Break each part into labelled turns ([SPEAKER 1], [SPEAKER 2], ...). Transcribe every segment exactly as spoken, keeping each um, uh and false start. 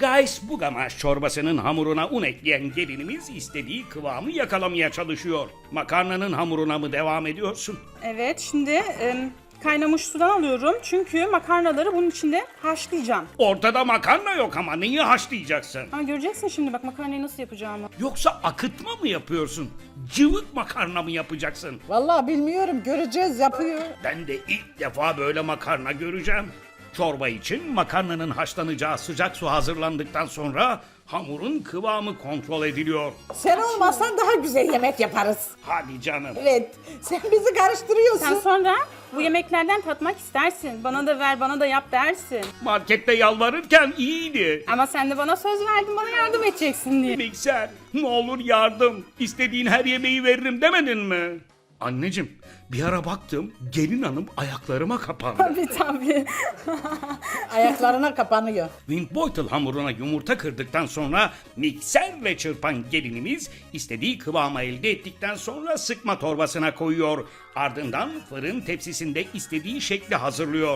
[SPEAKER 1] Guys Bugamaş çorbasının hamuruna un ekleyen gelinimiz istediği kıvamı yakalamaya çalışıyor. Makarnanın hamuruna mı devam ediyorsun?
[SPEAKER 2] Evet, şimdi e, kaynamış sudan alıyorum. Çünkü makarnaları bunun içinde haşlayacağım.
[SPEAKER 1] Ortada makarna yok ama neyi haşlayacaksın?
[SPEAKER 2] Ha, göreceksin şimdi bak makarnayı nasıl yapacağımı.
[SPEAKER 1] Yoksa akıtma mı yapıyorsun? Cıvık makarna mı yapacaksın?
[SPEAKER 3] Vallahi bilmiyorum, göreceğiz, yapıyor.
[SPEAKER 1] Ben de ilk defa böyle makarna göreceğim. Çorba için makarnanın haşlanacağı sıcak su hazırlandıktan sonra hamurun kıvamı kontrol ediliyor.
[SPEAKER 3] Sen olmazsan daha güzel yemek yaparız.
[SPEAKER 1] Hadi canım.
[SPEAKER 3] Evet, sen bizi karıştırıyorsun.
[SPEAKER 2] Sen sonra bu yemeklerden tatmak istersin. Bana da ver, bana da yap dersin.
[SPEAKER 1] Markette yalvarırken iyiydi.
[SPEAKER 2] Ama sen de bana söz verdin, bana yardım edeceksin diye.
[SPEAKER 1] Mikser, ne olur yardım. İstediğin her yemeği veririm demedin mi? Anneciğim, bir ara baktım, gelin hanım ayaklarıma kapandı.
[SPEAKER 2] Tabii tabii.
[SPEAKER 3] Ayaklarına kapanıyor.
[SPEAKER 1] Windbeutel hamuruna yumurta kırdıktan sonra mikserle çırpan gelinimiz istediği kıvamı elde ettikten sonra sıkma torbasına koyuyor. Ardından fırın tepsisinde istediği şekli hazırlıyor.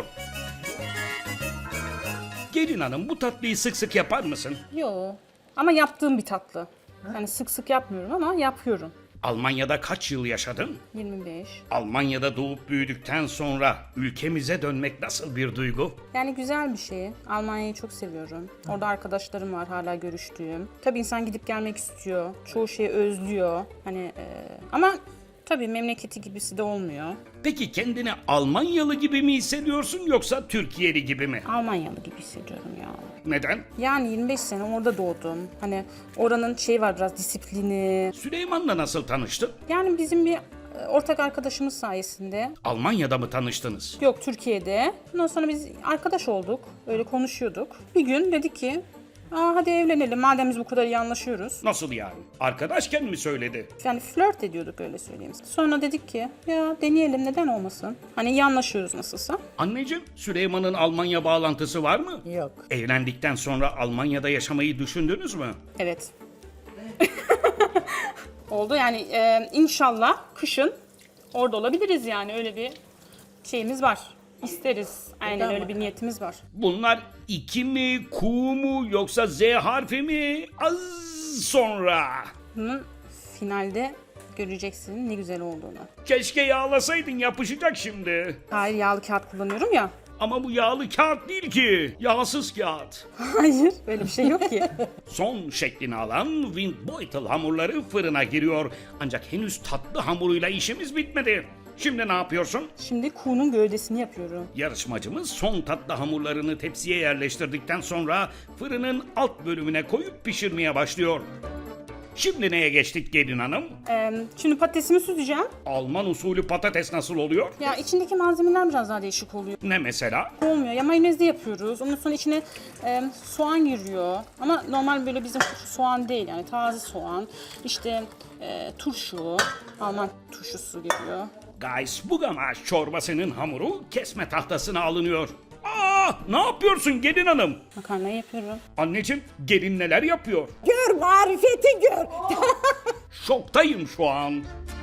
[SPEAKER 1] Gelin hanım, bu tatlıyı sık sık yapar mısın?
[SPEAKER 2] Yo. Ama yaptığım bir tatlı. Yani sık sık yapmıyorum ama yapıyorum.
[SPEAKER 1] Almanya'da kaç yıl yaşadın?
[SPEAKER 2] yirmi beş.
[SPEAKER 1] Almanya'da doğup büyüdükten sonra ülkemize dönmek nasıl bir duygu?
[SPEAKER 2] Yani güzel bir şey. Almanya'yı çok seviyorum. Orada arkadaşlarım var hala görüştüğüm. Tabii insan gidip gelmek istiyor. Çoğu şeyi özlüyor. Hani e, ama tabii memleketi gibisi de olmuyor.
[SPEAKER 1] Peki kendini Almanyalı gibi mi hissediyorsun yoksa Türkiye'li gibi mi?
[SPEAKER 2] Almanyalı gibi hissediyorum ya.
[SPEAKER 1] Neden?
[SPEAKER 2] Yani yirmi beş sene orada doğdum. Hani oranın şeyi var biraz disiplini.
[SPEAKER 1] Süleyman'la nasıl tanıştın?
[SPEAKER 2] Yani bizim bir e, ortak arkadaşımız sayesinde.
[SPEAKER 1] Almanya'da mı tanıştınız?
[SPEAKER 2] Yok Türkiye'de. Ondan sonra biz arkadaş olduk. Öyle konuşuyorduk. Bir gün dedik ki Aa, hadi evlenelim madem biz bu kadar iyi anlaşıyoruz.
[SPEAKER 1] Nasıl yani? Arkadaşken mi söyledi?
[SPEAKER 2] Yani flört ediyorduk öyle söyleyeyim. Sonra dedik ki ya deneyelim neden olmasın. Hani iyi anlaşıyoruz nasılsa.
[SPEAKER 1] Anneciğim, Süleyman'ın Almanya bağlantısı var mı?
[SPEAKER 3] Yok.
[SPEAKER 1] Evlendikten sonra Almanya'da yaşamayı düşündünüz mü?
[SPEAKER 2] Evet. Oldu yani e, inşallah kışın orada olabiliriz yani öyle bir şeyimiz var. İsteriz. Aynen
[SPEAKER 3] Tamam.
[SPEAKER 2] öyle bir niyetimiz var.
[SPEAKER 1] Bunlar iki mi, Q mu yoksa Z harfi mi? Az sonra.
[SPEAKER 2] Bunun finalde göreceksin ne güzel olduğunu.
[SPEAKER 1] Keşke yağlasaydın, yapışacak şimdi.
[SPEAKER 2] Hayır yağlı kağıt kullanıyorum ya.
[SPEAKER 1] Ama bu yağlı kağıt değil ki. Yağsız kağıt.
[SPEAKER 2] Hayır öyle bir şey yok ki.
[SPEAKER 1] Son şeklini alan Windbeutel hamurları fırına giriyor. Ancak henüz tatlı hamuruyla işimiz bitmedi. Şimdi ne yapıyorsun?
[SPEAKER 2] Şimdi kuğunun gövdesini yapıyorum.
[SPEAKER 1] Yarışmacımız son tatlı hamurlarını tepsiye yerleştirdikten sonra fırının alt bölümüne koyup pişirmeye başlıyor. Şimdi neye geçtik gelin hanım?
[SPEAKER 2] Ee, şimdi patatesimi süzeceğim.
[SPEAKER 1] Alman usulü patates nasıl oluyor?
[SPEAKER 2] Ya içindeki malzemeler biraz daha değişik oluyor.
[SPEAKER 1] Ne mesela?
[SPEAKER 2] Olmuyor. Ya mayonezli yapıyoruz. Ondan sonra içine e, soğan giriyor. Ama normal böyle bizim soğan değil yani taze soğan. İşte e, turşu, Alman turşusu giriyor.
[SPEAKER 1] Guys Bugamaş çorbasının hamuru kesme tahtasına alınıyor. Aa, ne yapıyorsun gelin hanım?
[SPEAKER 2] Makarnayı yapıyorum.
[SPEAKER 1] Anneciğim, gelin neler yapıyor?
[SPEAKER 3] Gör marifeti gör.
[SPEAKER 1] Şoktayım şu an.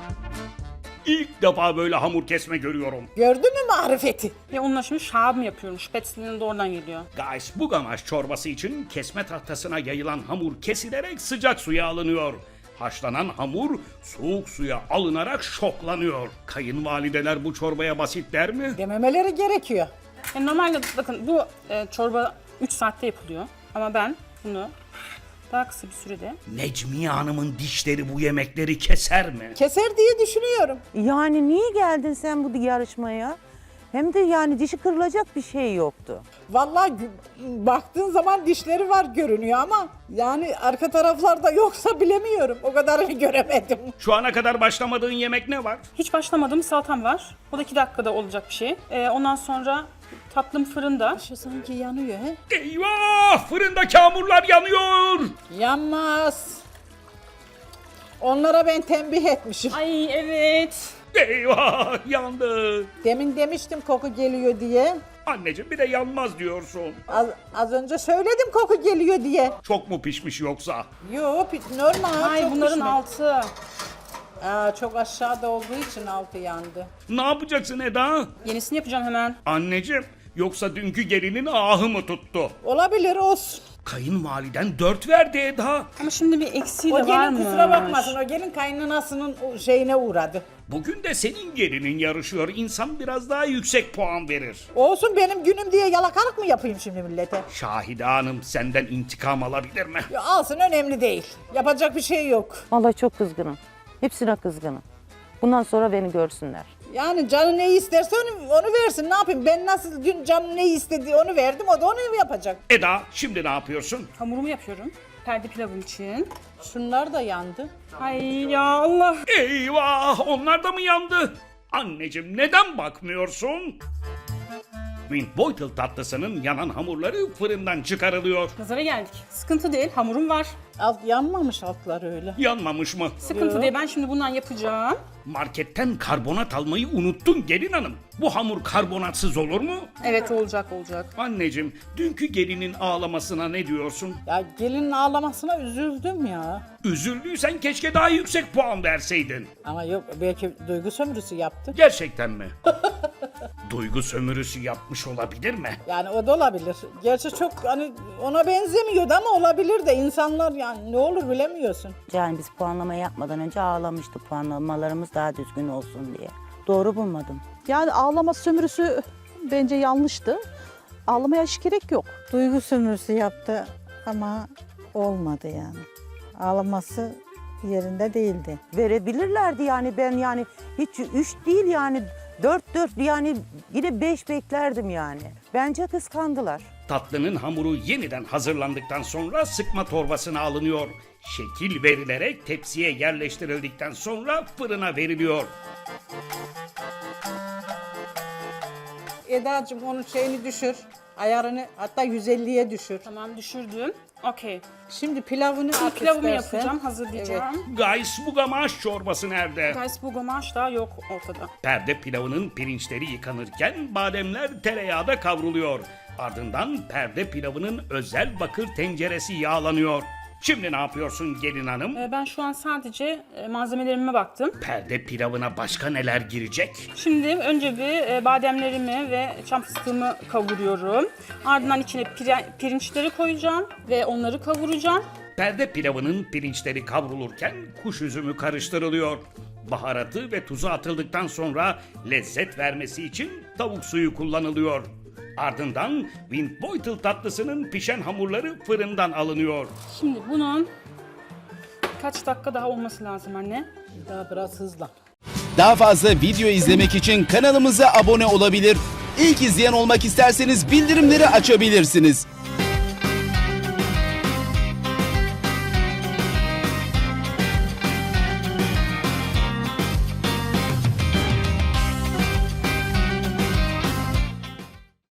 [SPEAKER 1] İlk defa böyle hamur kesme görüyorum.
[SPEAKER 3] Gördün mü marifeti?
[SPEAKER 2] Ve onunla şimdi şabım yapıyorum. Spätzle'nin de oradan geliyor.
[SPEAKER 1] Guys Bugamaş çorbası için kesme tahtasına yayılan hamur kesilerek sıcak suya alınıyor. Haşlanan hamur soğuk suya alınarak şoklanıyor. Kayınvalideler bu çorbaya basit der mi?
[SPEAKER 3] Dememeleri gerekiyor.
[SPEAKER 2] Yani normalde bakın bu e, çorba üç saatte yapılıyor. Ama ben bunu daha kısa bir sürede
[SPEAKER 1] Necmiye Hanım'ın dişleri bu yemekleri keser mi?
[SPEAKER 3] Keser diye düşünüyorum.
[SPEAKER 4] Yani niye geldin sen bu yarışmaya? Hem de yani dişi kırılacak bir şey yoktu.
[SPEAKER 3] Vallahi gü- baktığın zaman dişleri var görünüyor ama yani arka taraflarda yoksa bilemiyorum. O kadarını göremedim.
[SPEAKER 1] Şu ana kadar başlamadığın yemek ne var?
[SPEAKER 2] hiç başlamadığım salatam var. O da iki dakikada olacak bir şey. E, ondan sonra tatlım fırında.
[SPEAKER 3] Şu sanki yanıyor he?
[SPEAKER 1] Eyvah! Fırındaki hamurlar yanıyor!
[SPEAKER 3] Yanmaz. Onlara ben tembih etmişim.
[SPEAKER 2] Ay evet.
[SPEAKER 1] Eyvah! Yandı!
[SPEAKER 3] Demin demiştim koku geliyor diye.
[SPEAKER 1] Anneciğim, bir de yanmaz diyorsun.
[SPEAKER 3] Az, az önce söyledim koku geliyor diye.
[SPEAKER 1] Çok mu pişmiş yoksa?
[SPEAKER 3] Yok normal.
[SPEAKER 2] Ay
[SPEAKER 3] çok
[SPEAKER 2] bunların
[SPEAKER 3] pişmiş.
[SPEAKER 2] altı.
[SPEAKER 3] Aa, çok aşağıda olduğu için altı yandı.
[SPEAKER 1] Ne yapacaksın Eda?
[SPEAKER 2] Yenisini yapacağım hemen.
[SPEAKER 1] Anneciğim, yoksa dünkü gelinin ahı mı tuttu?
[SPEAKER 3] Olabilir olsun.
[SPEAKER 1] Kayınvaliden dört verdi Eda.
[SPEAKER 2] Ama şimdi bir eksiği
[SPEAKER 3] O
[SPEAKER 2] de var
[SPEAKER 3] gelin
[SPEAKER 2] mı?
[SPEAKER 3] kusura bakmasın. O gelin kaynanasının o şeyine uğradı.
[SPEAKER 1] Bugün de senin gelinin yarışıyor. İnsan biraz daha yüksek puan verir.
[SPEAKER 3] Olsun, benim günüm diye yalakalık mı yapayım şimdi millete?
[SPEAKER 1] Şahide Hanım senden intikam alabilir mi?
[SPEAKER 3] Ya alsın, önemli değil. Yapacak bir şey yok.
[SPEAKER 4] Vallahi çok kızgınım. Hepsine kızgınım. Bundan sonra beni görsünler.
[SPEAKER 3] Yani canı neyi isterse onu, onu versin. Ne yapayım? Ben nasıl dün canı neyi istediği onu verdim. O da onu yapacak.
[SPEAKER 1] Eda şimdi ne yapıyorsun?
[SPEAKER 2] Hamurumu yapıyorum. Perde pilavım için.
[SPEAKER 3] Şunlar da yandı.
[SPEAKER 2] Ay ya Allah.
[SPEAKER 1] Eyvah onlar da mı yandı? Anneciğim neden bakmıyorsun? Windbeutel tatlısının yanan hamurları fırından çıkarılıyor.
[SPEAKER 2] Pazara geldik. Sıkıntı değil. Hamurum var.
[SPEAKER 3] Alt yanmamış altları öyle.
[SPEAKER 1] Yanmamış mı?
[SPEAKER 2] Sıkıntı
[SPEAKER 3] Yo.
[SPEAKER 2] değil. Ben şimdi bundan yapacağım.
[SPEAKER 1] Marketten karbonat almayı unuttun gelin hanım. Bu hamur karbonatsız olur mu?
[SPEAKER 2] Evet olacak olacak.
[SPEAKER 1] Anneciğim dünkü gelinin ağlamasına ne diyorsun?
[SPEAKER 3] Ya gelinin ağlamasına üzüldüm ya.
[SPEAKER 1] Üzüldüysen keşke daha yüksek puan verseydin.
[SPEAKER 3] Ama yok, belki duygu sömürüsü yaptı.
[SPEAKER 1] Gerçekten mi? Duygu sömürüsü yapmış olabilir mi?
[SPEAKER 3] Yani o da olabilir. Gerçi çok hani ona benzemiyordu ama olabilir de, insanlar yani ne olur bilemiyorsun.
[SPEAKER 4] Yani biz puanlama yapmadan önce ağlamıştı, puanlamalarımız daha düzgün olsun diye. Doğru bulmadım.
[SPEAKER 5] Yani ağlama sömürüsü bence yanlıştı. Ağlamaya hiç gerek yok.
[SPEAKER 6] Duygu sömürüsü yaptı ama olmadı yani. Ağlaması yerinde değildi.
[SPEAKER 4] Verebilirlerdi yani, ben yani hiç üç değil yani dört dört, yani yine beş beklerdim yani. Bence kıskandılar.
[SPEAKER 1] Tatlının hamuru yeniden hazırlandıktan sonra sıkma torbasına alınıyor. Şekil verilerek tepsiye yerleştirildikten sonra fırına veriliyor.
[SPEAKER 3] Edacığım onun şeyini düşür. Ayarını hatta yüz elliye düşür.
[SPEAKER 2] Tamam düşürdüm. Okey.
[SPEAKER 3] Şimdi pilavını
[SPEAKER 2] Şimdi
[SPEAKER 3] at
[SPEAKER 2] pilavımı
[SPEAKER 3] istersen.
[SPEAKER 2] yapacağım. Hazırlayacağım.
[SPEAKER 1] Gaysbugamaş çorbası nerede?
[SPEAKER 2] Guys bu gomaş daha yok ortada.
[SPEAKER 1] Perde pilavının pirinçleri yıkanırken bademler tereyağda kavruluyor. Ardından perde pilavının özel bakır tenceresi yağlanıyor. Şimdi ne yapıyorsun gelin hanım?
[SPEAKER 2] Ee, Ben şu an sadece e, malzemelerime baktım.
[SPEAKER 1] Perde pilavına başka neler girecek?
[SPEAKER 2] Şimdi önce bir e, bademlerimi ve çam fıstığımı kavuruyorum. Ardından içine pire- pirinçleri koyacağım ve onları kavuracağım.
[SPEAKER 1] Perde pilavının pirinçleri kavrulurken kuş üzümü karıştırılıyor. Baharatı ve tuzu atıldıktan sonra lezzet vermesi için tavuk suyu kullanılıyor. Ardından Windbeutel tatlısının pişen hamurları fırından alınıyor.
[SPEAKER 2] Şimdi bunun kaç dakika daha olması lazım anne?
[SPEAKER 3] Daha biraz hızlan.
[SPEAKER 7] Daha fazla video izlemek için kanalımıza abone olabilir. İlk izleyen olmak isterseniz bildirimleri açabilirsiniz.